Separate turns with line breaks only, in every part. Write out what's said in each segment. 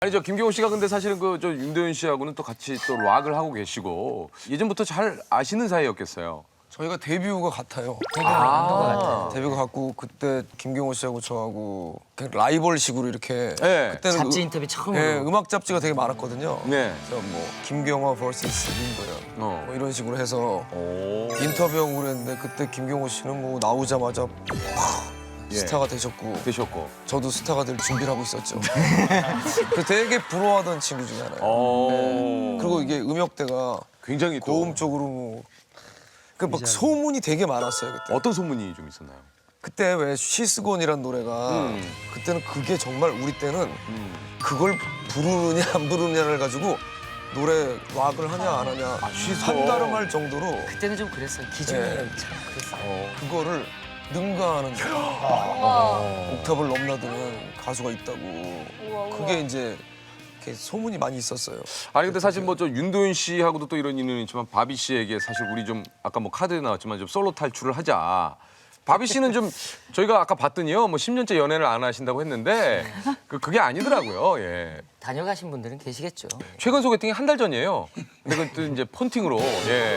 아니 저 김경호 씨가 근데 사실은 그 저 윤도현 씨하고는 또 같이 또 락을 하고 계시고 예전부터 잘 아시는 사이였겠어요.
저희가 데뷔가 같아요. 데뷔가 같고 그때 김경호 씨하고 저하고 그냥 라이벌식으로 이렇게
네.
그때는
잡지 인터뷰 처음으로.
네, 음악 잡지가 되게 많았거든요.
네.
그래서 뭐 김경호 vs 윤도현 뭐 이런 식으로 해서
오.
인터뷰하고 그랬는데 그때 김경호 씨는 뭐 나오자마자
예.
스타가 되셨고
되셨고.
저도 스타가 될 준비를 하고 있었죠. 그 되게 부러워하던 친구 중에 하나예요.
오.
그리고 이게 음역대가
굉장히 또
고음 쪽으로 뭐 막 소문이 되게 많았어요 그때.
어떤 소문이 좀 있었나요?
그때 왜 시스곤이란 노래가 그때는 그게 정말 우리 때는 그걸 부르느냐 안 부르느냐를 가지고 노래 락을 하냐 안 하냐
시스곤.
한가름할 정도로
그때는 좀 그랬어요. 기준이
네.
참 그랬어요.
그거를 능가하는 옥탑을 넘나드는 가수가 있다고 그게 이제 이렇게 소문이 많이 있었어요.
아니 근데 사실 뭐 저 윤도현 씨하고도 또 이런 인연이 있지만 바비 씨에게 사실 우리 좀 아까 뭐 카드에 나왔지만 좀 솔로 탈출을 하자. 바비 씨는 좀 저희가 아까 봤더니요 뭐 10년째 연애를 안 하신다고 했는데 그게 아니더라고요. 예.
다녀가신 분들은 계시겠죠.
최근 소개팅이 한 달 전이에요. 근데 그것도 이제 폰팅으로. 예.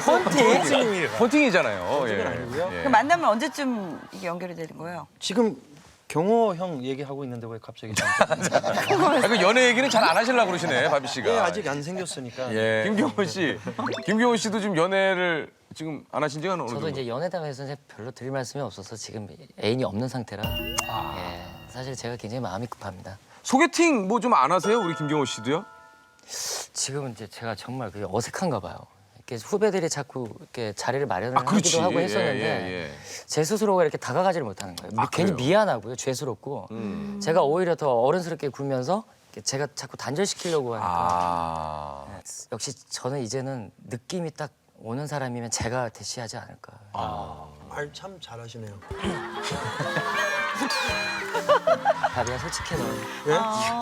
폰팅이잖아요. 예.
그 만나면 언제쯤 이게 연결이 되는 거예요?
지금 경호 형 얘기하고 있는데 왜 갑자기
아, 그 연애 얘기는 잘 안 하시려고 그러시네 바비 씨가.
예, 아직 안 생겼으니까.
예. 김경호 씨도 지금 연애를 지금 안 하신 지가 어느 정도?
저도 이제 연애다가 해서 이제 별로 드릴 말씀이 없어서 지금 애인이 없는 상태라 예, 사실 제가 굉장히 마음이 급합니다.
소개팅 뭐 좀 안 하세요? 우리 김경호 씨도요?
지금은 이제 제가 정말 그게 어색한가 봐요. 이렇게 후배들이 자꾸 이렇게 자리를 마련을
그렇지.
하기도 하고
예,
했었는데
예.
제 스스로가 이렇게 다가가지를 못하는 거예요. 괜히
그래요?
미안하고요, 죄스럽고 제가 오히려 더 어른스럽게 굴면서 이렇게 제가 자꾸 단절시키려고 하니까
아.
역시 저는 이제는 느낌이 딱 오는 사람이면 제가 대시하지 않을까.
말 참 잘하시네요.
바비야 솔직해 너.
예?